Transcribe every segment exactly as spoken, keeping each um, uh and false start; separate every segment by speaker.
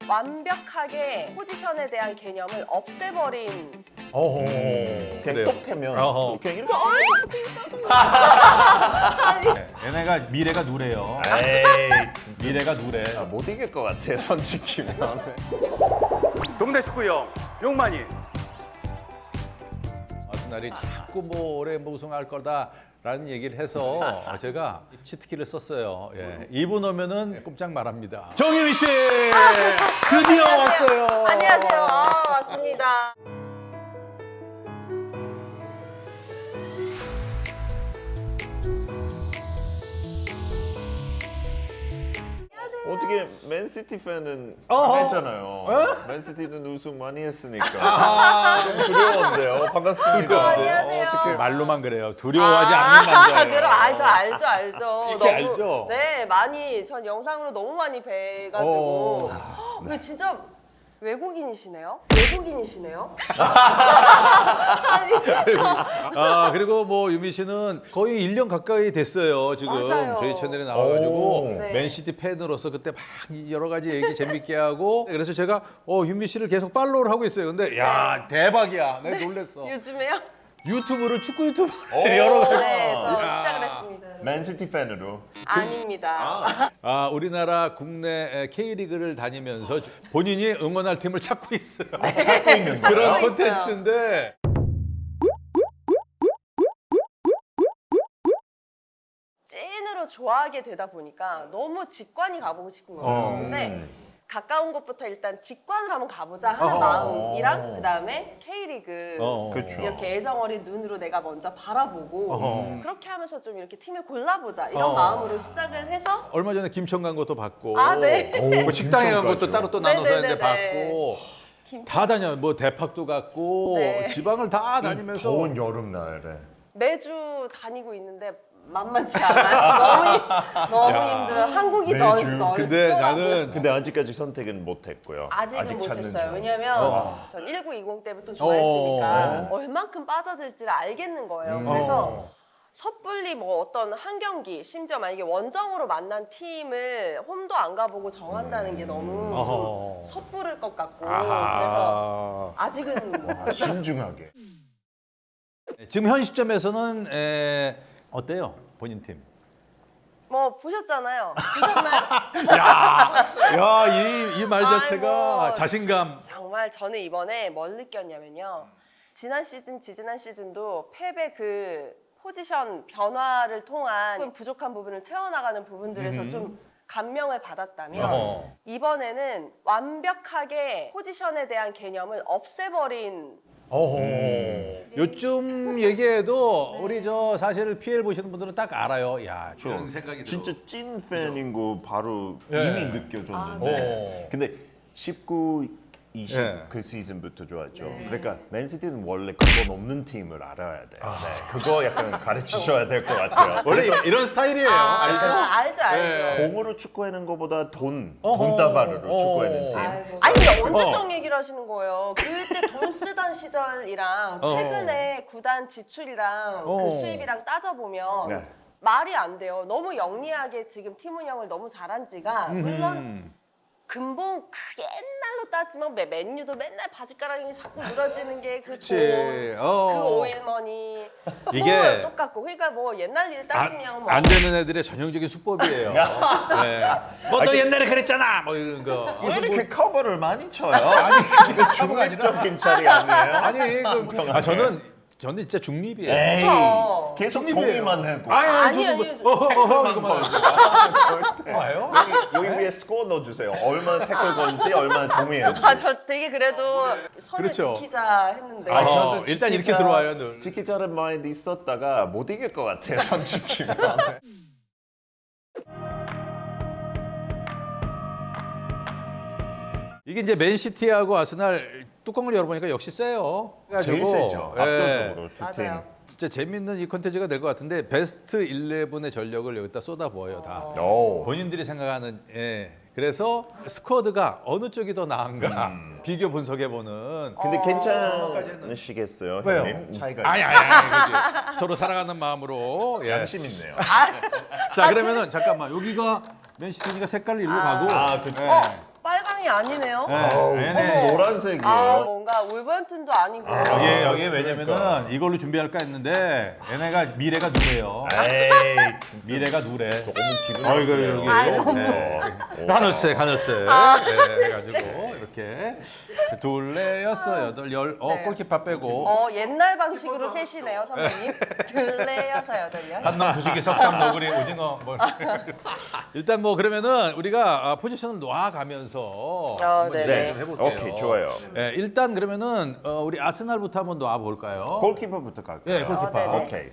Speaker 1: 완벽하게 포지션에 대한 개념을 없애버린.
Speaker 2: 어허.
Speaker 3: 그냥
Speaker 2: 그래요.
Speaker 3: 똑하면
Speaker 2: 어허.
Speaker 3: 그냥 이렇게
Speaker 2: 네, 얘네가 미래가 누래요.
Speaker 3: 에이
Speaker 2: 미래가 누래.
Speaker 3: 진짜 못 이길 것 같아 손 지키면.
Speaker 4: 동네 축구형 용만이.
Speaker 2: 아스날이 자꾸 뭐 올해 뭐 우승할 거다라는 얘기를 해서 제가 치트키를 썼어요. 예. 이 분 오면은 꼼짝 말합니다. 정유미 씨 드디어 왔어요.
Speaker 1: 안녕하세요. 아, 왔습니다.
Speaker 3: 어떻게 맨시티 팬은
Speaker 2: 어허.
Speaker 3: 안 했잖아요. 맨시티는 우승 많이 했으니까
Speaker 2: 아,
Speaker 3: 좀 두려운데요. 반갑습니다.
Speaker 1: 안녕하세요.
Speaker 3: 어떻게
Speaker 2: 말로만 그래요. 두려워하지 않는 남자예요.
Speaker 1: 그럼 알죠, 알죠, 알죠.
Speaker 2: 이렇게 알죠?
Speaker 1: 네, 많이 전 영상으로 너무 많이 뵈가지고.
Speaker 2: 어.
Speaker 1: 근데 진짜 외국인이시네요? 외국인이시네요? 아니,
Speaker 2: 아 그리고 뭐 유미 씨는 거의 일 년 가까이 됐어요 지금
Speaker 1: 맞아요.
Speaker 2: 저희 채널에 나와가지고
Speaker 3: 오.
Speaker 1: 네.
Speaker 2: 맨시티 팬으로서 그때 막 여러 가지 얘기 재밌게 하고 그래서 제가 어 유미 씨를 계속 팔로우를 하고 있어요. 근데 야 대박이야, 내가 놀랬어.
Speaker 1: 요즘에요?
Speaker 2: 유튜브를 축구 유튜브
Speaker 3: 오.
Speaker 2: 여러 가지.
Speaker 1: 네, 저
Speaker 2: 야.
Speaker 1: 시작을 했습니다.
Speaker 3: 맨시티 팬으로.
Speaker 1: 아닙니다.
Speaker 2: 아 우리나라 국내 K리그를 다니면서 본인이 응원할 팀을 찾고 있어요.
Speaker 3: 찾고 있는 거예요?
Speaker 2: 그런
Speaker 1: 찾고 있어요.
Speaker 2: 콘텐츠인데.
Speaker 1: 찐으로 좋아하게 되다 보니까 너무 직관이 가보고 싶은 거예요.
Speaker 2: 어.
Speaker 1: 근데 가까운 곳부터 일단 직관을 한번 가보자 하는
Speaker 2: 어.
Speaker 1: 마음이랑 그 다음에 K리그
Speaker 2: 어.
Speaker 3: 그쵸.
Speaker 1: 이렇게 애정어린 눈으로 내가 먼저 바라보고
Speaker 2: 어.
Speaker 1: 그렇게 하면서 좀 이렇게 팀을 골라보자 이런
Speaker 2: 어.
Speaker 1: 마음으로 시작을 해서
Speaker 2: 얼마 전에 김천 간 것도 받고
Speaker 1: 아, 네.
Speaker 2: 뭐 식당에 간 것도
Speaker 3: 김천까지요?
Speaker 2: 따로 또 나눠서 했는데
Speaker 1: 네네네네.
Speaker 2: 받고
Speaker 1: 김
Speaker 2: 다 다녀요. 뭐 대팍도 갔고
Speaker 1: 네.
Speaker 2: 지방을 다
Speaker 3: 이
Speaker 2: 다니면서
Speaker 3: 더운 여름날에.
Speaker 1: 매주 다니고 있는데 만만치 않아요. 너무 힘- 너무
Speaker 2: 야.
Speaker 1: 힘들어요. 한국이
Speaker 3: 매주.
Speaker 1: 넓, 넓더라고요.
Speaker 2: 근데 나는
Speaker 3: 근데 아직까지 선택은 못했고요.
Speaker 1: 아직은
Speaker 3: 아직 찾는
Speaker 1: 못했어요.
Speaker 3: 중.
Speaker 1: 왜냐면
Speaker 2: 어.
Speaker 1: 전 천구백이십 때부터 좋아했으니까
Speaker 2: 어.
Speaker 1: 얼만큼 빠져들지를 알겠는 거예요.
Speaker 3: 음.
Speaker 1: 그래서
Speaker 2: 어.
Speaker 1: 섣불리 뭐 어떤 한 경기, 심지어 만약에 원정으로 만난 팀을 홈도 안 가보고 정한다는 게 너무
Speaker 2: 어허.
Speaker 1: 좀 섣부를 것 같고
Speaker 2: 아하.
Speaker 1: 그래서 아직은
Speaker 3: 와, 신중하게.
Speaker 2: 지금 현 시점에서는 에, 어때요? 본인 팀?
Speaker 1: 뭐 보셨잖아요. 보셨나요?
Speaker 2: 야, 이 이 말 자체가
Speaker 1: 아이고.
Speaker 2: 자신감.
Speaker 1: 정말 저는 이번에 뭘 느꼈냐면요. 지난 시즌, 지지난 시즌도 패배 그 포지션 변화를 통한 부족한 부분을 채워나가는 부분들에서
Speaker 2: 음흠.
Speaker 1: 좀 감명을 받았다면
Speaker 2: 어허.
Speaker 1: 이번에는 완벽하게 포지션에 대한 개념을 없애버린
Speaker 2: 어허. 요즘 얘기해도
Speaker 1: 네.
Speaker 2: 우리 저 사실 피엘 보시는 분들은 딱 알아요. 야,
Speaker 3: 저
Speaker 2: 그런 생각이
Speaker 3: 진짜 찐 팬인 거 바로
Speaker 2: 네.
Speaker 3: 이미 느껴졌는데.
Speaker 2: 오.
Speaker 3: 근데 십구, 이십
Speaker 2: 네.
Speaker 3: 그 시즌부터 좋았죠.
Speaker 1: 네.
Speaker 3: 그러니까 맨시티는 원래 그건 없는 팀을 알아야 돼요. 네. 그거 약간 가르치셔야 될 것 같아요.
Speaker 2: 원래 이런 스타일이에요.
Speaker 1: 아,
Speaker 2: 알죠?
Speaker 1: 알죠, 알죠.
Speaker 2: 네.
Speaker 3: 공으로 축구하는 것보다 돈,
Speaker 2: 어허.
Speaker 3: 돈다발으로
Speaker 2: 어.
Speaker 3: 축구하는 팀.
Speaker 1: 아이고. 아니 근데 언제적
Speaker 2: 어.
Speaker 1: 얘기를 하시는 거예요? 그때 돈 쓰던 시절이랑 최근에 구단 지출이랑
Speaker 2: 어.
Speaker 1: 그 수입이랑 따져보면
Speaker 3: 네.
Speaker 1: 말이 안 돼요. 너무 영리하게 지금 팀 운영을 너무 잘한 지가 물론
Speaker 2: 음.
Speaker 1: 근본 그 옛날로 따지면 맨- 맨유도 맨날 바지가랑이 자꾸 늘어지는 게 그
Speaker 2: 그렇지.
Speaker 1: 돈,
Speaker 2: 어.
Speaker 1: 그 오일머니
Speaker 2: 이게
Speaker 1: 뭐 똑같고 그러니까 뭐 옛날 일 따지면
Speaker 2: 안,
Speaker 1: 뭐
Speaker 2: 안 되는 애들의 전형적인 수법이에요. 네. 뭐너 옛날에 그랬잖아. 뭐 이런 거.
Speaker 3: 왜 이렇게 커버를 많이 쳐요? 아니, 이거 중립적인 자리 아니에요?
Speaker 2: 아니, 그, 아 저는 저는 진짜 중립이에요.
Speaker 3: 에이,
Speaker 1: 그쵸.
Speaker 3: 계속
Speaker 2: 중립이에요.
Speaker 3: 동의만 하고.
Speaker 2: 아니,
Speaker 1: 아니,
Speaker 2: 저도
Speaker 1: 아니,
Speaker 2: 뭐- 어, 어, 어,
Speaker 3: 태클만
Speaker 2: 이거만.
Speaker 3: 걸고. 절대.
Speaker 2: 봐요?
Speaker 3: 여기, 여기 위에 스코어 넣어주세요. 얼마나 태클 건지, 얼마나 동의했는지.
Speaker 1: 아 저 되게 그래도 선을
Speaker 2: 그렇죠.
Speaker 1: 지키자 했는데
Speaker 3: 아,
Speaker 2: 어,
Speaker 3: 저도
Speaker 2: 일단 이렇게
Speaker 3: 지키자-
Speaker 2: 들어와요, 늘.
Speaker 3: 지키자는 마인드 있었다가 못 이길 것 같아요, 선 지키면.
Speaker 2: 이게 이제 맨시티하고 아스날 뚜껑을 열어보니까 역시 세요.
Speaker 3: 제일
Speaker 2: 그래가지고,
Speaker 3: 세죠,
Speaker 2: 예,
Speaker 3: 압도적으로 두 팀.
Speaker 1: 맞아요.
Speaker 2: 진짜 재밌는 이 컨텐츠가 될 것 같은데 베스트 십일의 전력을 여기다 쏟아부어요 다.
Speaker 3: 오.
Speaker 2: 본인들이 생각하는 예. 그래서 스쿼드가 어느 쪽이 더 나은가
Speaker 3: 음.
Speaker 2: 비교 분석해보는.
Speaker 3: 근데
Speaker 1: 어.
Speaker 3: 괜찮으시겠어요,
Speaker 2: 왜요?
Speaker 3: 형님? 차이가
Speaker 2: 아니 아니 아니 그지. 서로 사랑하는 마음으로. 예.
Speaker 3: 양심 있네요.
Speaker 2: 자 그러면은 잠깐만 여기가 맨시티니까 색깔을 일로 가고.
Speaker 3: 아, 그쵸.
Speaker 2: 예.
Speaker 1: 어 빨강이 팀이 아니네요.
Speaker 3: 아우,
Speaker 2: 네네.
Speaker 3: 노란색이에요.
Speaker 1: 아 뭔가 울버햄튼도 아니고.
Speaker 2: 여기 여기 왜냐면은
Speaker 3: 그러니까.
Speaker 2: 이걸로 준비할까 했는데 얘네가 미래가 누래요.
Speaker 3: 에이, 진짜
Speaker 2: 미래가 누래.
Speaker 3: 너무 기분
Speaker 2: 어 이거
Speaker 3: 나쁘네요.
Speaker 2: 여기
Speaker 1: 아이, 너무.
Speaker 2: 네. 하늘색 하늘색 네, 해가지고 이렇게 둘레 여섯 여덟 열 어
Speaker 1: 네.
Speaker 2: 골키퍼 빼고
Speaker 1: 어 옛날 방식으로 셋이네요 선배님. 둘레여서 여덟요.
Speaker 2: 한남 두식이 석삼 너구리 오징어 뭐 일단 뭐 그러면은 우리가 아, 포지션을 놔가면서 한번
Speaker 1: 네네.
Speaker 2: 얘기 좀 해볼게요.
Speaker 3: 오케이, 좋아요.
Speaker 2: 네, 일단 그러면은 어, 우리 아스날부터 한번 놔 볼까요?
Speaker 3: 골키퍼부터 갈까요?
Speaker 2: 예, 골키퍼.
Speaker 1: 어, 네네.
Speaker 3: 오케이.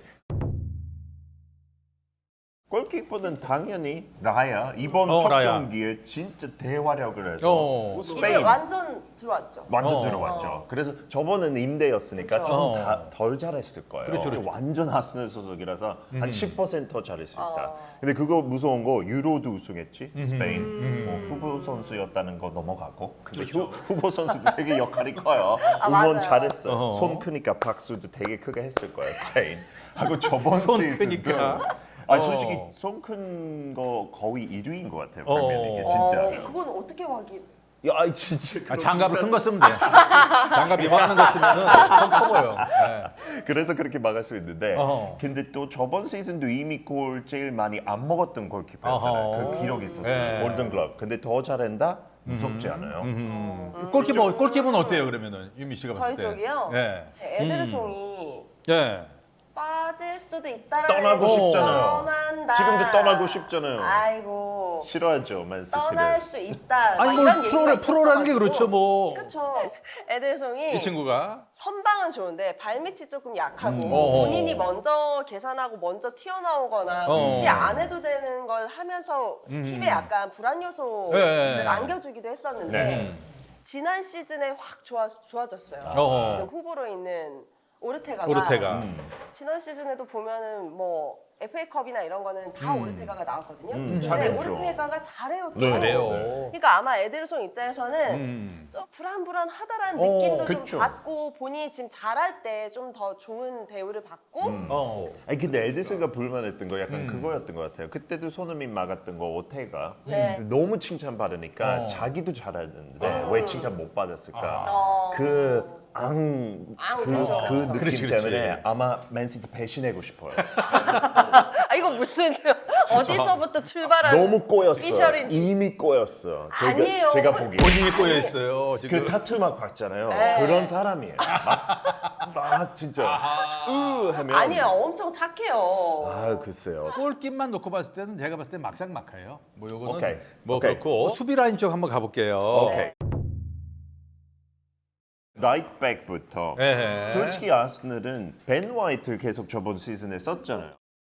Speaker 3: 골키퍼는 당연히 라야. 이번
Speaker 2: 어,
Speaker 3: 첫
Speaker 2: 라야.
Speaker 3: 경기에 진짜 대활약을 해서
Speaker 2: 어.
Speaker 1: 이제
Speaker 3: 스페인
Speaker 1: 완전 들어왔죠.
Speaker 3: 완전
Speaker 2: 어.
Speaker 3: 들어왔죠. 그래서 저번은 임대였으니까
Speaker 1: 그쵸.
Speaker 3: 좀
Speaker 2: 어.
Speaker 3: 덜 잘했을 거예요.
Speaker 2: 그렇죠, 그렇죠.
Speaker 3: 완전 아스널 소속이라서 한 십 퍼센트 더 잘했을 수 있다.
Speaker 1: 어.
Speaker 3: 근데 그거 무서운 거 유로도 우승했지 스페인.
Speaker 1: 음.
Speaker 3: 뭐 후보 선수였다는 거 넘어가고. 근데 후, 후보 선수도 되게 역할이 커요.
Speaker 1: 아,
Speaker 3: 응원
Speaker 1: 맞아요.
Speaker 3: 잘했어요.
Speaker 2: 어허.
Speaker 3: 손 크니까 박수도 되게 크게 했을 거예요 스페인. 하고 저번
Speaker 2: 손
Speaker 3: 시즌도
Speaker 2: 크니까.
Speaker 3: 아
Speaker 2: 어.
Speaker 3: 솔직히 손 큰 거 거의 일 위인 것 같아요.
Speaker 2: 어.
Speaker 3: 프리미어리그
Speaker 1: 어,
Speaker 3: 진짜.
Speaker 1: 그건 어떻게 확인?
Speaker 3: 야 아이, 진짜.
Speaker 2: 아,
Speaker 3: 그런
Speaker 2: 장갑을
Speaker 3: 비싼-
Speaker 2: 큰 거 쓰면 돼. 장갑 이만한 거 쓰면은 손 커 보여. 네.
Speaker 3: 그래서 그렇게 막을 수 있는데
Speaker 2: 어허.
Speaker 3: 근데 또 저번 시즌도 이미 골 제일 많이 안 먹었던 골키퍼였잖아요.
Speaker 2: 어허.
Speaker 3: 그 기록이 있었어요.
Speaker 2: 네.
Speaker 3: 골든글러브. 근데 더 잘한다? 무섭지 않아요?
Speaker 2: 음. 골키퍼 골키퍼는 어때요 그러면은 유미 씨가 봤을
Speaker 1: 저희
Speaker 2: 때?
Speaker 1: 쪽이요?
Speaker 2: 네.
Speaker 1: 에데르송이
Speaker 2: 네.
Speaker 1: 빠질 수도 있다라는
Speaker 3: 떠나고 싶잖아요.
Speaker 1: 떠난다.
Speaker 3: 지금도 떠나고 싶잖아요.
Speaker 1: 아이고.
Speaker 3: 싫어하죠, 맨시티를.
Speaker 1: 떠날 수 있다.
Speaker 2: 아니
Speaker 1: 막
Speaker 2: 뭐
Speaker 1: 이런 얘기가
Speaker 2: 프로 프로라는 게
Speaker 1: 있었어가지고.
Speaker 2: 그렇죠 뭐.
Speaker 1: 그렇죠. 에데르송이
Speaker 2: 이 친구가
Speaker 1: 선방은 좋은데 발밑이 조금 약하고
Speaker 2: 음. 어어.
Speaker 1: 본인이 먼저 계산하고 먼저 튀어나오거나
Speaker 2: 어.
Speaker 1: 굳이 안 해도 되는 걸 하면서
Speaker 2: 음.
Speaker 1: 팀에 약간 불안 요소를
Speaker 2: 네.
Speaker 1: 안겨주기도 했었는데
Speaker 3: 네.
Speaker 1: 지난 시즌에 확 좋아, 좋아졌어요.
Speaker 2: 어어.
Speaker 1: 지금 후보로 있는 오르테가가
Speaker 2: 오르테가.
Speaker 3: 음.
Speaker 1: 지난 시즌에도 보면은 뭐 에프에이컵이나 이런 거는 다
Speaker 2: 음.
Speaker 1: 오르테가가 나왔거든요.
Speaker 3: 음,
Speaker 1: 근데
Speaker 3: 잘했죠.
Speaker 1: 오르테가가 잘해요. 또.
Speaker 3: 네.
Speaker 2: 그래요.
Speaker 1: 그러니까 아마 에데르송 입장에서는
Speaker 2: 음.
Speaker 1: 좀 불안불안하다라는
Speaker 2: 어,
Speaker 1: 느낌도
Speaker 3: 그쵸.
Speaker 1: 좀 받고 본인이 지금 잘할 때 좀 더 좋은 대우를 받고
Speaker 3: 음.
Speaker 2: 어.
Speaker 3: 아니 근데 에디슨가 불만했던 거 약간
Speaker 2: 음.
Speaker 3: 그거였던 것 같아요. 그때도 손흥민 막았던 거 오테가
Speaker 1: 네.
Speaker 3: 너무 칭찬받으니까
Speaker 2: 어.
Speaker 3: 자기도 잘했는데
Speaker 1: 어.
Speaker 3: 왜 칭찬 못 받았을까?
Speaker 1: 어.
Speaker 3: 그 앙,
Speaker 1: 앙,
Speaker 3: 그,
Speaker 1: 그쵸.
Speaker 3: 그 느낌
Speaker 2: 그렇지, 그렇지.
Speaker 3: 때문에 아마 맨시티 배신하고 싶어요.
Speaker 1: 아 이거 무슨 어디서부터 출발한
Speaker 3: 너무 꼬였어.
Speaker 1: 피셜인지.
Speaker 3: 이미 꼬였어. 제가,
Speaker 1: 아니에요.
Speaker 3: 제가 보기에.
Speaker 2: 본인이 꼬여 있어요 지금.
Speaker 3: 그 타투 막 봤잖아요.
Speaker 1: 네.
Speaker 3: 그런 사람이에요. 막, 막 진짜 으 하면
Speaker 1: 아니에요. 엄청 착해요.
Speaker 3: 아 글쎄요.
Speaker 2: 골kit만 놓고 봤을 때는 제가 봤을 때 막상 막하예요. 뭐 요거는
Speaker 3: 오케이.
Speaker 2: 뭐
Speaker 3: 오케이.
Speaker 2: 그렇고 수비 라인 쪽 한번 가볼게요.
Speaker 3: 오케이. 라이트백부터
Speaker 2: 네.
Speaker 3: 솔직히 아스널은 벤 화이트 계속 저번 시즌에 썼잖아요.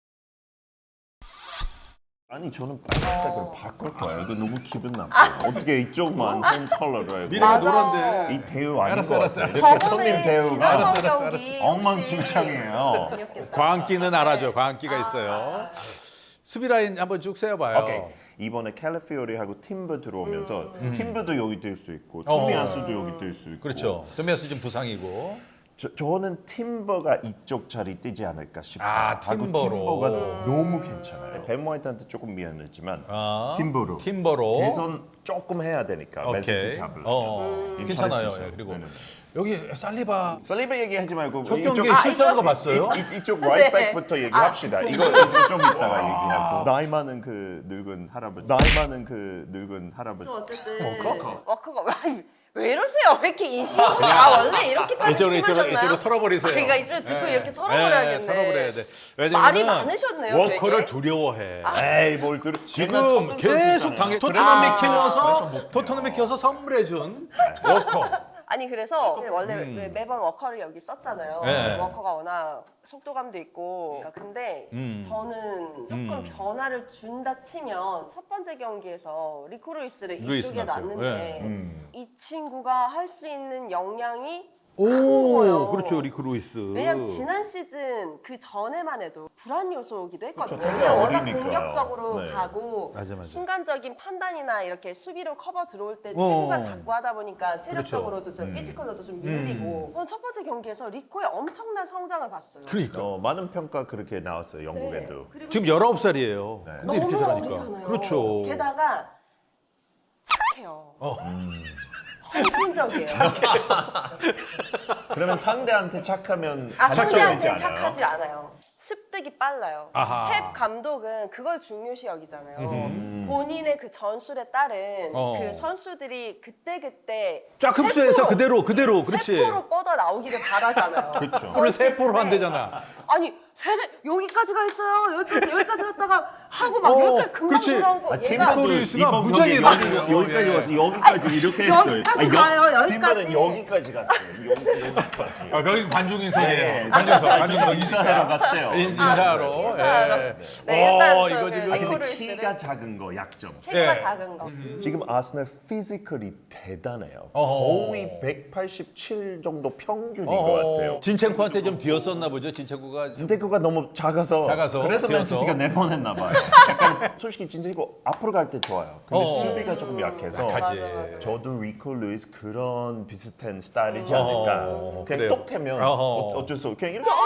Speaker 3: 아니 저는 빨간색으로 바꿀 거예요. 이거 너무 기분 나빠. 어떻게 이쪽만 홈 컬러로
Speaker 2: 미래가
Speaker 3: 해고
Speaker 1: 맞아.
Speaker 2: 노란데.
Speaker 3: 이 대우 아닌
Speaker 2: 알았어,
Speaker 3: 것
Speaker 2: 알았어,
Speaker 3: 같아요.
Speaker 2: 알았어.
Speaker 3: 이렇게 손님
Speaker 1: 저번에
Speaker 3: 대우가
Speaker 1: 지난번
Speaker 2: 알았어, 알았어,
Speaker 1: 경기
Speaker 3: 엉망진창이에요.
Speaker 1: 혹시-
Speaker 2: 광기는 알아죠.
Speaker 1: 네.
Speaker 2: 광기가 있어요. 수비 라인 한번 쭉 세어봐요.
Speaker 3: 오케이. 이번에 캘리피오리하고 팀버 들어오면서
Speaker 1: 음.
Speaker 3: 팀버도 여기 뛸 수 있고
Speaker 2: 어.
Speaker 3: 토미아스도 여기 뛸 수 있고
Speaker 2: 그렇죠. 도미아스 지금 부상이고.
Speaker 3: 저, 저는 팀버가 이쪽 자리 뛰지 않을까 싶어요.
Speaker 2: 아,
Speaker 3: 하고
Speaker 2: 팀버로.
Speaker 3: 팀버가 너무 괜찮아요. 벤 화이트한테 조금 미안했지만
Speaker 2: 아,
Speaker 3: 팀버로.
Speaker 2: 팀버로.
Speaker 3: 개선 조금 해야 되니까
Speaker 2: 오케이.
Speaker 3: 맨시티 잡으려면.
Speaker 2: 어,
Speaker 3: 음.
Speaker 2: 괜찮아요.
Speaker 3: 잘할 수
Speaker 2: 예,
Speaker 3: 있어요.
Speaker 2: 그리고
Speaker 3: 네네네.
Speaker 2: 여기 살리바
Speaker 3: 살리바 얘기하지 말고
Speaker 2: 첫
Speaker 3: 이쪽-
Speaker 2: 경기에
Speaker 1: 아,
Speaker 2: 실수하는 거
Speaker 1: 이쪽-
Speaker 2: 봤어요?
Speaker 3: 이, 이, 이쪽 라이트백부터 얘기합시다. 이거, 이거 좀 이따가 얘기하고. 나이 많은 그 늙은 할아버지. 나이 많은 그 늙은 할아버지.
Speaker 1: 어쨌든
Speaker 3: 워커?
Speaker 1: 워커가 왜, 왜 이러세요? 왜 이렇게 인식이 아 원래 이렇게까지
Speaker 2: 이쪽으로 이쪽으로
Speaker 1: 심하셨나요?
Speaker 2: 이쪽으로 털어버리세요.
Speaker 1: 그러니까 이쪽으로 듣고
Speaker 2: 예.
Speaker 1: 이렇게 털어버려야겠네.
Speaker 2: 예, 털어버려야 돼.
Speaker 1: 말이
Speaker 2: 왜냐면은
Speaker 1: 많으셨네요,
Speaker 2: 워커를
Speaker 1: 되게.
Speaker 2: 두려워해.
Speaker 3: 에이 뭘 들어.
Speaker 2: 지금 계속 당해.
Speaker 3: 그래서
Speaker 2: 토트넘이
Speaker 3: 못- 그래서
Speaker 2: 키워서
Speaker 3: 못
Speaker 2: 토트넘이 키워서 선물해준 워커.
Speaker 1: 아니 그래서 원래
Speaker 2: 음.
Speaker 1: 왜 매번 워커를 여기 썼잖아요.
Speaker 2: 네.
Speaker 1: 워커가 워낙 속도감도 있고. 근데
Speaker 2: 음.
Speaker 1: 저는 조금
Speaker 2: 음.
Speaker 1: 변화를 준다 치면 첫 번째 경기에서 리코 루이스를
Speaker 2: 루이스
Speaker 1: 이쪽에
Speaker 2: 나왔어요.
Speaker 1: 놨는데
Speaker 2: 네.
Speaker 3: 음.
Speaker 1: 이 친구가 할 수 있는 역량이
Speaker 2: 오,
Speaker 1: 거예요.
Speaker 2: 그렇죠 리크 루이스.
Speaker 1: 왜냐면 지난 시즌 그 전에만 해도 불안 요소이기도 했거든요.
Speaker 3: 그렇죠.
Speaker 1: 그냥 워낙
Speaker 3: 어리니까요.
Speaker 1: 공격적으로
Speaker 3: 네.
Speaker 1: 가고
Speaker 2: 맞아, 맞아.
Speaker 1: 순간적인 판단이나 이렇게 수비로 커버 들어올 때
Speaker 2: 어.
Speaker 1: 체구가 작고 하다 보니까 체력적으로도 좀
Speaker 3: 음.
Speaker 1: 피지컬로도 좀 밀리고 저는 첫 번째 경기에서 리코의 엄청난 성장을 봤어요.
Speaker 2: 그러니까
Speaker 3: 어, 많은 평가 그렇게 나왔어요. 영국에도.
Speaker 1: 네. 그리고
Speaker 2: 지금 열아홉 살이에요.
Speaker 3: 네.
Speaker 2: 근데 이렇게
Speaker 1: 너무
Speaker 2: 잘하니까.
Speaker 1: 어리잖아요.
Speaker 2: 그렇죠.
Speaker 1: 게다가 착해. 착해요.
Speaker 2: 어.
Speaker 1: 헌신적이에요.
Speaker 3: 그러면 상대한테 착하면
Speaker 1: 아,
Speaker 3: 안 착해지지
Speaker 1: 상대한테
Speaker 3: 않아요?
Speaker 1: 착하지 않아요. 습득이 빨라요.
Speaker 2: 아하.
Speaker 1: 펩 감독은 그걸 중요시 여기잖아요.
Speaker 3: 음.
Speaker 1: 본인의 그 전술에 따른
Speaker 2: 어.
Speaker 1: 그 선수들이 그때그때
Speaker 2: 쫙 흡수해서
Speaker 1: 세포로,
Speaker 2: 그대로 그대로 그렇지.
Speaker 1: 세포로 뻗어 나오기를 바라잖아요.
Speaker 3: 그렇죠.
Speaker 2: 그걸 세포로
Speaker 1: 시즌에.
Speaker 2: 한대잖아.
Speaker 1: 아니 세대 여기까지 가 있어요. 여기까지 여기까지 갔다가 하고 막
Speaker 2: 어,
Speaker 1: 여기까지 금방
Speaker 2: 그렇지.
Speaker 1: 돌아오고
Speaker 3: 아,
Speaker 1: 얘가
Speaker 3: 팀바도
Speaker 2: 스토리수가
Speaker 3: 이번
Speaker 2: 무지하게
Speaker 3: 경기 여기,
Speaker 2: 많아요.
Speaker 3: 여기까지
Speaker 2: 예.
Speaker 3: 와서 여기까지 이렇게 했어요.
Speaker 1: 여기까지 가요, 여기까지.
Speaker 3: 팀바는 여기까지 갔어요. 여기, 여기까지.
Speaker 2: 아, 여기 관중인석이에요.
Speaker 3: 네.
Speaker 2: 관중석,
Speaker 3: 좀
Speaker 2: 관중석.
Speaker 3: 인사하러 갔대요.
Speaker 2: 인- 인사하러.
Speaker 1: 아, 인사하러.
Speaker 2: 예.
Speaker 1: 네, 일단
Speaker 2: 어,
Speaker 1: 저
Speaker 2: 이거
Speaker 1: 그
Speaker 2: 지금
Speaker 3: 아,
Speaker 1: 이코를
Speaker 3: 근데
Speaker 1: 쓰는
Speaker 3: 키가 작은 거 약점.
Speaker 1: 체구가
Speaker 2: 예.
Speaker 1: 작은 거.
Speaker 3: 지금 아스널 피지컬이 대단해요.
Speaker 2: 어허.
Speaker 3: 거의 백팔십칠 정도 평균인
Speaker 2: 어허.
Speaker 3: 것 같아요.
Speaker 2: 진첸코한테 좀 뒤었었나 보죠. 진첸코가.
Speaker 3: 진테코가 너무 작아서,
Speaker 2: 작아서,
Speaker 3: 그래서
Speaker 2: 뛰어서.
Speaker 3: 맨시티가 내보냈나 봐요. 약간 솔직히 진테코 앞으로 갈 때 좋아요. 근데
Speaker 2: 어.
Speaker 3: 수비가 조금 약해서
Speaker 2: 약하지.
Speaker 1: 맞아, 맞아.
Speaker 3: 저도 리코 루이스 그런 비슷한 스타일이지
Speaker 2: 어,
Speaker 3: 않을까.
Speaker 2: 그래요.
Speaker 3: 그냥 똑하면
Speaker 2: 어허.
Speaker 3: 어, 어쩔 수 없고 그냥 이렇게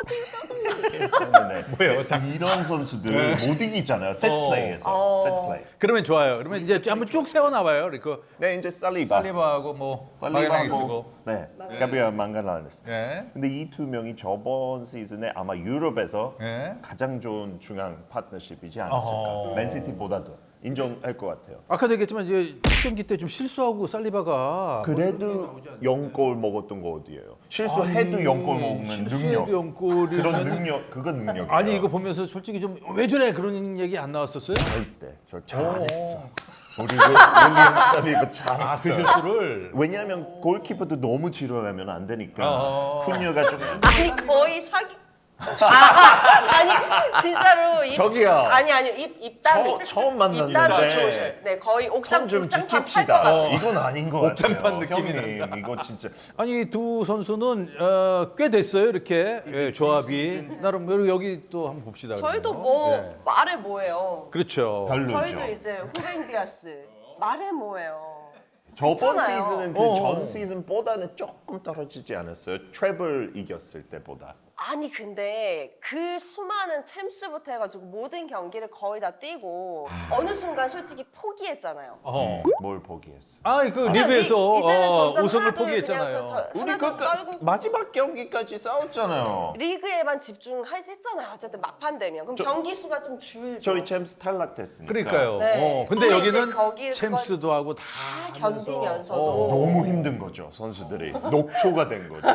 Speaker 3: 이렇게 하는데
Speaker 2: 뭐예요? 다-
Speaker 3: 이런 선수들 못 이기잖아요. 세트
Speaker 2: 어.
Speaker 3: 플레이에서.
Speaker 1: 어.
Speaker 3: 세트 플레이.
Speaker 2: 그러면 좋아요. 그러면 이제 한번 쭉 세워 나와요. 그
Speaker 3: 네, 이제 살리바.
Speaker 2: 살리바하고 뭐 바게랑이 쓰고.
Speaker 3: 살리바하고 네, 가비아 망갈라네스.
Speaker 2: 예.
Speaker 3: 근데 이 두 명이 저번 시즌에 아마 유럽에서
Speaker 2: 예.
Speaker 3: 가장 좋은 중앙 파트너십이지 않았을까.
Speaker 2: 어허.
Speaker 3: 맨시티보다도 인정할 것 같아요.
Speaker 2: 아까도 얘기했지만 이제 첫 경기 때 좀 실수하고 살리바가
Speaker 3: 그래도 영 골 먹었던 거 어디예요? 실수해도 영 골 먹는 능력.
Speaker 2: 영골이
Speaker 3: 그런 능력, 그건 능력이에요.
Speaker 2: 아니 이거 보면서 솔직히 좀 왜 저래 그런 얘기 안 나왔었어요?
Speaker 3: 절대, 저 잘했어. 우리 윌리엄 살리바 잘했어.
Speaker 2: 아 그 실수를.
Speaker 3: 왜냐하면 골키퍼도 너무 지루하면 안 되니까
Speaker 2: 어.
Speaker 3: 훈녀가 좀
Speaker 1: 아니 거의 사기. 아, 아니 진짜로 입,
Speaker 3: 저기요.
Speaker 1: 아니 아니 입 입담이
Speaker 3: 처, 처음
Speaker 1: 입담이
Speaker 3: 만났는데
Speaker 1: 좋으셔요. 네 거의 옥장
Speaker 3: 손 좀
Speaker 1: 옥장판 팔것
Speaker 3: 지킵시다.
Speaker 1: 같아요.
Speaker 3: 이건 아닌 것 같아요.
Speaker 2: 옥장판 느낌이
Speaker 3: 형님,
Speaker 2: 난다.
Speaker 3: 이거 진짜
Speaker 2: 아니 두 선수는 어, 꽤 됐어요 이렇게 예, 조합이
Speaker 3: 시즌.
Speaker 2: 나름 여기, 여기 또 한번 봅시다.
Speaker 1: 저희도
Speaker 2: 그러면.
Speaker 1: 뭐
Speaker 2: 예.
Speaker 1: 말해 뭐예요.
Speaker 2: 그렇죠.
Speaker 3: 별로죠.
Speaker 1: 저희도 이제 후벤 디아스 말해 뭐예요.
Speaker 3: 저번
Speaker 1: 있잖아요.
Speaker 3: 시즌은
Speaker 2: 어.
Speaker 3: 그 전 시즌보다는 조금 떨어지지 않았어요? 트래블 이겼을 때보다.
Speaker 1: 아니 근데 그 수많은 챔스부터 해가지고 모든 경기를 거의 다 뛰고 어느 순간 솔직히 포기했잖아요.
Speaker 2: 어.
Speaker 3: 뭘 포기했어?
Speaker 2: 아그
Speaker 1: 그냥
Speaker 2: 리그에서
Speaker 1: 리- 이제는
Speaker 2: 어,
Speaker 1: 점점
Speaker 2: 우승을
Speaker 1: 하나둘
Speaker 2: 포기했잖아요.
Speaker 1: 그냥 저- 저-
Speaker 3: 우리
Speaker 1: 하나둘
Speaker 3: 그
Speaker 1: 떨고
Speaker 3: 마지막 경기까지 싸웠잖아요.
Speaker 1: 리그에만 집중했잖아요. 어쨌든 막판 되면 그럼
Speaker 3: 저-
Speaker 1: 경기 수가 좀 줄죠.
Speaker 3: 저희 챔스 탈락됐으니까.
Speaker 2: 그러니까요.
Speaker 1: 네.
Speaker 2: 어, 근데
Speaker 1: 근데 이제
Speaker 2: 여기는
Speaker 1: 거기를
Speaker 2: 챔스도 하고 다
Speaker 1: 다
Speaker 2: 하면서.
Speaker 1: 견디면서도
Speaker 2: 어.
Speaker 3: 너무 힘든 거죠, 선수들이. 녹초가 된 거죠.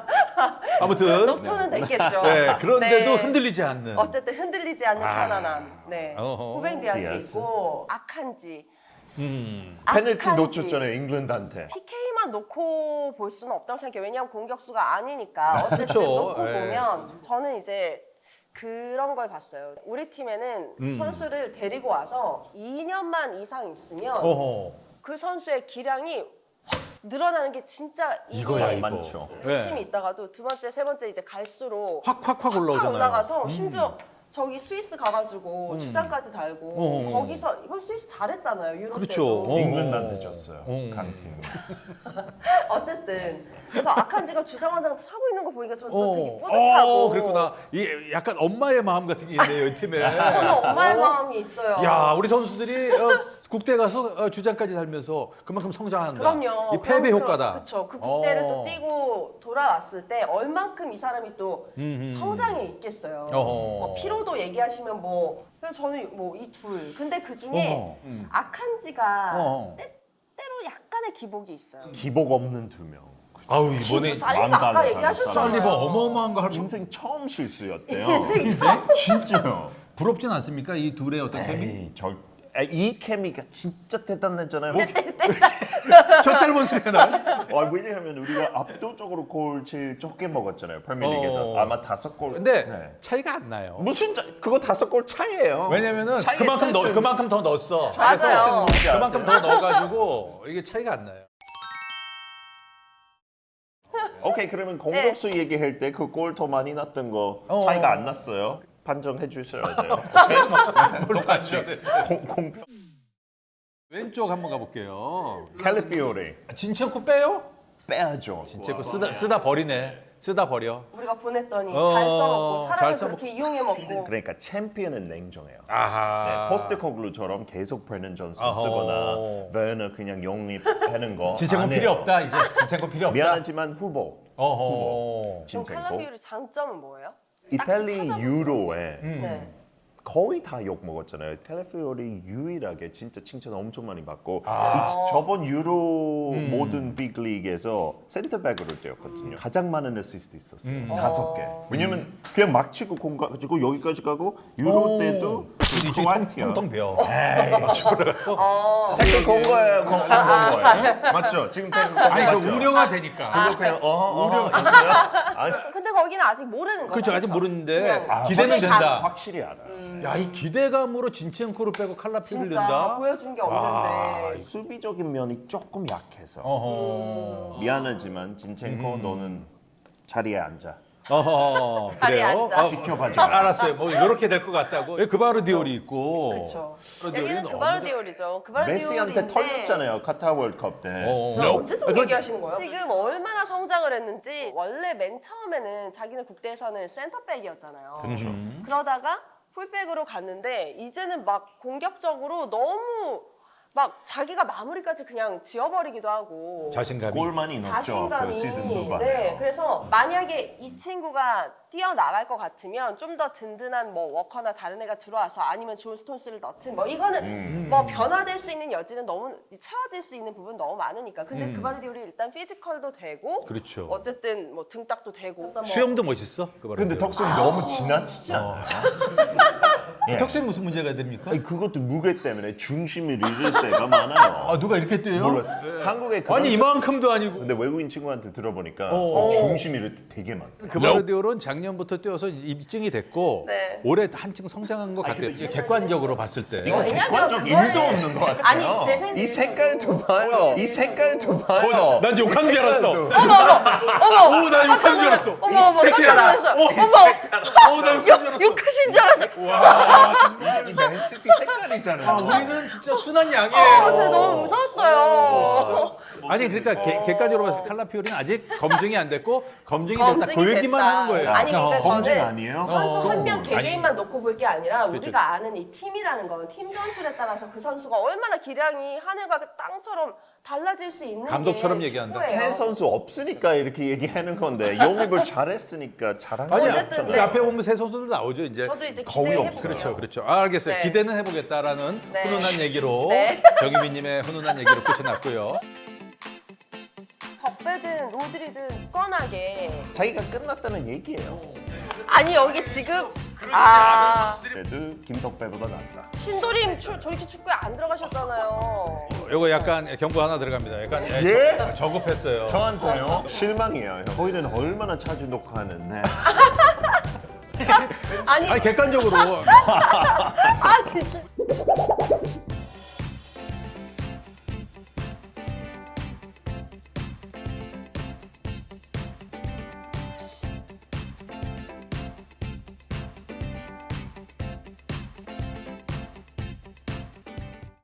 Speaker 2: 아무튼
Speaker 1: 녹초는 됐겠죠.
Speaker 2: 네, 그런데도
Speaker 1: 네.
Speaker 2: 흔들리지 않는.
Speaker 1: 어쨌든 흔들리지 않는
Speaker 2: 아.
Speaker 1: 편안함. 네.
Speaker 2: 어허.
Speaker 1: 후벤 디아스
Speaker 3: 디아스.
Speaker 1: 있고 아칸지.
Speaker 2: 음.
Speaker 3: 페널티
Speaker 1: 아칸지.
Speaker 3: 놓쳤잖아요, 잉글랜드한테.
Speaker 1: 피케이만 놓고 볼 수는 없다고 생각해요. 왜냐하면 공격수가 아니니까. 어쨌든
Speaker 2: 그쵸.
Speaker 1: 놓고
Speaker 2: 예.
Speaker 1: 보면 저는 이제 그런 걸 봤어요. 우리 팀에는
Speaker 2: 음.
Speaker 1: 선수를 데리고 와서 이 년만 이상 있으면
Speaker 2: 어허.
Speaker 1: 그 선수의 기량이 확 늘어나는 게 진짜 이게
Speaker 2: 이거야 이거.
Speaker 3: 많죠.
Speaker 1: 부침이 있다가도 두 번째, 세 번째 이제 갈수록
Speaker 2: 확확확
Speaker 1: 확
Speaker 2: 올라오잖아요.
Speaker 1: 올라가서
Speaker 2: 음.
Speaker 1: 심지어 저기 스위스 가가지고
Speaker 2: 음.
Speaker 1: 주장까지 달고
Speaker 2: 어.
Speaker 1: 거기서 이번 스위스 잘했잖아요. 유럽
Speaker 2: 그렇죠.
Speaker 1: 때도.
Speaker 2: 어.
Speaker 3: 잉글랜드한테 졌어요,
Speaker 2: 음.
Speaker 3: 강팀.
Speaker 1: 어쨌든 그래서 아칸지가 주장원장 차고 있는 거 보니까 저는 또 되게
Speaker 2: 어.
Speaker 1: 뿌듯하고
Speaker 2: 어, 그랬구나. 이게 약간 엄마의 마음 같은 게 있네요, 이 팀에.
Speaker 1: 저는 엄마의
Speaker 2: 어?
Speaker 1: 마음이 있어요.
Speaker 2: 야, 우리 선수들이 어, 국대 가서 어, 주장까지 달면서 그만큼 성장한다.
Speaker 1: 그럼요.
Speaker 2: 이 패배 효과다.
Speaker 1: 그렇죠. 그 국대를
Speaker 2: 어.
Speaker 1: 또 뛰고 돌아왔을 때 얼만큼 이 사람이 또
Speaker 2: 음, 음.
Speaker 1: 성장해 있겠어요.
Speaker 2: 어허.
Speaker 1: 뭐 피로도 얘기하시면 뭐 그래서 저는 뭐 이 둘. 근데 그 중에
Speaker 2: 어허. 음.
Speaker 1: 아칸지가
Speaker 2: 어.
Speaker 1: 때로 약간의 기복이 있어요.
Speaker 3: 기복 없는 두 명.
Speaker 2: 아우 이번에
Speaker 1: 살리바
Speaker 3: 마음
Speaker 1: 아까
Speaker 3: 달라서
Speaker 1: 얘기하셨잖아요.
Speaker 2: 살리바 어마어마한 거 할.
Speaker 3: 인생 처음 실수였대요.
Speaker 1: 인생
Speaker 3: 진짜요.
Speaker 2: 부럽진 않습니까? 이 둘의 어떤 케미?
Speaker 3: 에이, 저, 아, 이 케미가 진짜 대단했잖아요.
Speaker 2: 저 짧은 소리가 나.
Speaker 3: 아, 왜냐하면 우리가 압도적으로 골 제일 적게 먹었잖아요. 프리미어리그에서
Speaker 2: 어.
Speaker 3: 아마 다섯 골.
Speaker 2: 근데
Speaker 3: 네.
Speaker 2: 차이가 안 나요.
Speaker 3: 무슨 차, 그거 다섯 골 차이예요.
Speaker 2: 왜냐면은
Speaker 3: 차이의
Speaker 2: 그만큼 넣,
Speaker 3: 뜻은-
Speaker 2: 그만큼 더 넣었어.
Speaker 3: 차이의
Speaker 1: 맞아요.
Speaker 3: 뜻은 뭔지 아세요?
Speaker 2: 그만큼 더 넣어가지고 이게 차이가 안 나요.
Speaker 3: 오케이, 그러면 공격수 얘기할 때 그 골 더 많이 났던 거
Speaker 2: 어.
Speaker 3: 차이가 안 났어요. 판정해 주셔야 돼요. 오케이? 똑같이 공, 공평.
Speaker 2: 왼쪽 한번 가볼게요.
Speaker 3: 캘리피오리
Speaker 2: 진첸코 빼요?
Speaker 3: 빼야죠.
Speaker 2: 진첸코 쓰다 쓰다 버리네. 쓰다 버려.
Speaker 1: 우리가 보냈더니
Speaker 2: 어,
Speaker 1: 잘 써먹고
Speaker 2: 잘
Speaker 1: 사람을
Speaker 2: 써먹고.
Speaker 1: 그렇게 이용해 먹고.
Speaker 3: 그러니까 챔피언은 냉정해요.
Speaker 2: 아하.
Speaker 3: 네, 포스트코글루처럼 계속 브렌든 존슨
Speaker 2: 어허.
Speaker 3: 쓰거나 베너 그냥 영입하는 거
Speaker 2: 진첸코
Speaker 3: 안
Speaker 2: 필요
Speaker 3: 해요.
Speaker 2: 없다. 이제 진첸코 필요 없다.
Speaker 3: 미안하지만 후보.
Speaker 2: 어허.
Speaker 1: 그럼
Speaker 3: 진첸코.
Speaker 1: 칼라비오리 장점은 뭐예요?
Speaker 3: 이탈리
Speaker 1: 찾아보자.
Speaker 3: 유로에
Speaker 2: 음.
Speaker 1: 네.
Speaker 3: 거의 다 욕 먹었잖아요. 텔레피오리 유일하게 진짜 칭찬 엄청 많이 받고
Speaker 2: 아.
Speaker 3: 이, 저번 유로
Speaker 2: 음.
Speaker 3: 모든 빅리그에서 센터백으로 뛰었거든요. 가장 많은 어시스트 있었어요.
Speaker 2: 음.
Speaker 3: 다섯 개.
Speaker 1: 어.
Speaker 3: 왜냐면 그냥 막 치고 공 가지고 여기까지 가고 유로
Speaker 2: 오.
Speaker 3: 때도
Speaker 2: 이제
Speaker 3: 크로아티아.
Speaker 2: 통통 배워.
Speaker 1: 어.
Speaker 3: 태클 건 거예요. 건, 건 거예요. 맞죠? 지금 태클 건
Speaker 2: 아니 그
Speaker 3: 맞죠?
Speaker 2: 우려가 되니까.
Speaker 3: 그거 그냥 어허 어허 있어요? 아니,
Speaker 1: 근데 거기는 아직 모르는 거죠.
Speaker 2: 그렇죠. 아직 모르는데
Speaker 1: 그냥
Speaker 3: 아,
Speaker 2: 기대는
Speaker 1: 확실히
Speaker 2: 된다.
Speaker 3: 확실히 알아요.
Speaker 2: 야, 이 기대감으로 진첸코를 빼고 칼라피오리를
Speaker 1: 진짜
Speaker 2: 넣는다.
Speaker 1: 보여준 게
Speaker 2: 아,
Speaker 1: 없는데.
Speaker 3: 수비적인 면이 조금 약해서
Speaker 2: 어허.
Speaker 3: 미안하지만 진첸코
Speaker 2: 음.
Speaker 3: 너는 자리에 앉아.
Speaker 2: 어허.
Speaker 1: 자리에
Speaker 2: 그래요?
Speaker 1: 앉아.
Speaker 2: 어,
Speaker 3: 지켜봐줘.
Speaker 2: 알았어요. 뭐 이렇게 될 것 같다고. 예, 그바르디올이 있고.
Speaker 1: 그렇죠.
Speaker 2: 그바르디올이
Speaker 1: 여기는
Speaker 2: 너무-
Speaker 1: 그바르디올이죠.
Speaker 3: 메시한테
Speaker 1: 그바르디올인데.
Speaker 3: 털렸잖아요. 카타 월드컵 때.
Speaker 2: 어.
Speaker 1: 저 언제적
Speaker 2: 아, 그건-
Speaker 1: 얘기하시는 거예요? 지금 얼마나 성장을 했는지. 원래 맨 처음에는 자기는 국대에서는 센터백이었잖아요.
Speaker 3: 그렇죠.
Speaker 2: 음.
Speaker 1: 그러다가 풀백으로 갔는데 이제는 막 공격적으로 너무 막 자기가 마무리까지 그냥 지어버리기도 하고
Speaker 2: 자신감이.
Speaker 3: 골만이 넣었죠.
Speaker 1: 자신감이
Speaker 3: 그 시즌 후반에.
Speaker 1: 네, 그래서 만약에 이 친구가 뛰어나갈 것 같으면 좀 더 든든한 뭐 워커나 다른 애가 들어와서 아니면 존 스톤스를 넣든 뭐 이거는
Speaker 3: 음.
Speaker 1: 뭐 변화될 수 있는 여지는 너무 채워질 수 있는 부분 너무 많으니까. 근데
Speaker 2: 음.
Speaker 1: 그바르디올이 일단 피지컬도 되고
Speaker 2: 그렇죠.
Speaker 1: 어쨌든 뭐 등딱도 되고 뭐
Speaker 2: 수염도 멋있어. 그바르디올.
Speaker 3: 근데 덕수는 너무 지나치지 않아요? 예.
Speaker 2: 턱수에 무슨 문제가 됩니까?
Speaker 3: 아니, 그것도 무게 때문에 중심을 잃을 때가 많아요.
Speaker 2: 아, 누가 이렇게 뛰어요?
Speaker 3: 몰라. 한국에 그런
Speaker 2: 아니 이만큼도 아니고.
Speaker 3: 근데 외국인 친구한테 들어보니까
Speaker 2: 어.
Speaker 3: 중심 잃을 때 되게 많다.
Speaker 2: 그바르디올은 작년부터 뛰어서 입증이 됐고
Speaker 1: 네.
Speaker 2: 올해 한층 성장한 것 같아요. 이게 객관적으로 봤을 때.
Speaker 3: 이거
Speaker 1: 왜냐면
Speaker 3: 객관적
Speaker 1: 그거는-
Speaker 3: 일도 없는 것 같아요.
Speaker 1: 아니, 제 생각에도-
Speaker 3: 이 색깔도 봐요. 이 색깔도 봐요.
Speaker 2: 난 욕한 줄 알았어.
Speaker 3: 이 색깔도.
Speaker 1: 어머
Speaker 2: 오, 나 욕한 줄 알았어.
Speaker 1: 어머 어머 깜짝 놀랐어요. 어머
Speaker 2: 어, 나 욕한 줄 알았어.
Speaker 1: 욕하신 줄 알았어요.
Speaker 3: 이 맨시티 색깔이잖아요.
Speaker 2: 아, 우리는 진짜 순한
Speaker 1: 어,
Speaker 2: 양이에요.
Speaker 1: 제가 너무 무서웠어요.
Speaker 2: 아니 그러니까 개- 객관적으로 봤을 때 칼라피오리는 아직 검증이 안 됐고 검증이 됐다
Speaker 1: 검증이
Speaker 2: 보이기만
Speaker 1: 됐다.
Speaker 2: 하는 거예요.
Speaker 1: 아니 그러니까
Speaker 2: 어.
Speaker 3: 검증
Speaker 1: 저는
Speaker 3: 아니에요?
Speaker 1: 선수
Speaker 2: 어.
Speaker 1: 한 명
Speaker 2: 아니.
Speaker 1: 개개인만 놓고 볼 게 아니라
Speaker 2: 그렇죠.
Speaker 1: 우리가 아는 이 팀이라는 건 팀 전술에 따라서 그 선수가 얼마나 기량이 하늘과 그 땅처럼 달라질 수 있는
Speaker 2: 감독처럼
Speaker 1: 게
Speaker 2: 얘기한다.
Speaker 3: 새
Speaker 1: 축구예요.
Speaker 3: 선수 없으니까 이렇게 얘기하는 건데 영입을 잘했으니까 잘한 거
Speaker 2: 아니
Speaker 1: 어쨌든
Speaker 3: 없잖아요.
Speaker 1: 네.
Speaker 2: 앞에 보면 새 선수들 나오죠 이제.
Speaker 1: 저도 이제
Speaker 3: 거의
Speaker 1: 기대해
Speaker 3: 없어요.
Speaker 1: 볼게요.
Speaker 2: 그렇죠, 그렇죠. 아, 알겠어요.
Speaker 1: 네.
Speaker 2: 기대는 해보겠다라는
Speaker 1: 네.
Speaker 2: 훈훈한 얘기로
Speaker 1: 네.
Speaker 2: 정유미님의 훈훈한 얘기로 끝이 났고요.
Speaker 1: 덕배든 로드리든 뻔하게
Speaker 3: 자기가 끝났다는 얘기예요.
Speaker 1: 아니 여기 지금 아
Speaker 3: 그래도 김덕배보다 낫다.
Speaker 1: 신도림 추, 저렇게 축구에 안 들어가셨잖아요.
Speaker 2: 요거 약간 경고 하나 들어갑니다. 약간 예,
Speaker 3: 예?
Speaker 2: 저- 저급했어요.
Speaker 3: 저한테요? 실망이에요. 저희는 얼마나 자주 녹화하는데
Speaker 1: 아니
Speaker 2: 아니 객관적으로
Speaker 1: 아 진짜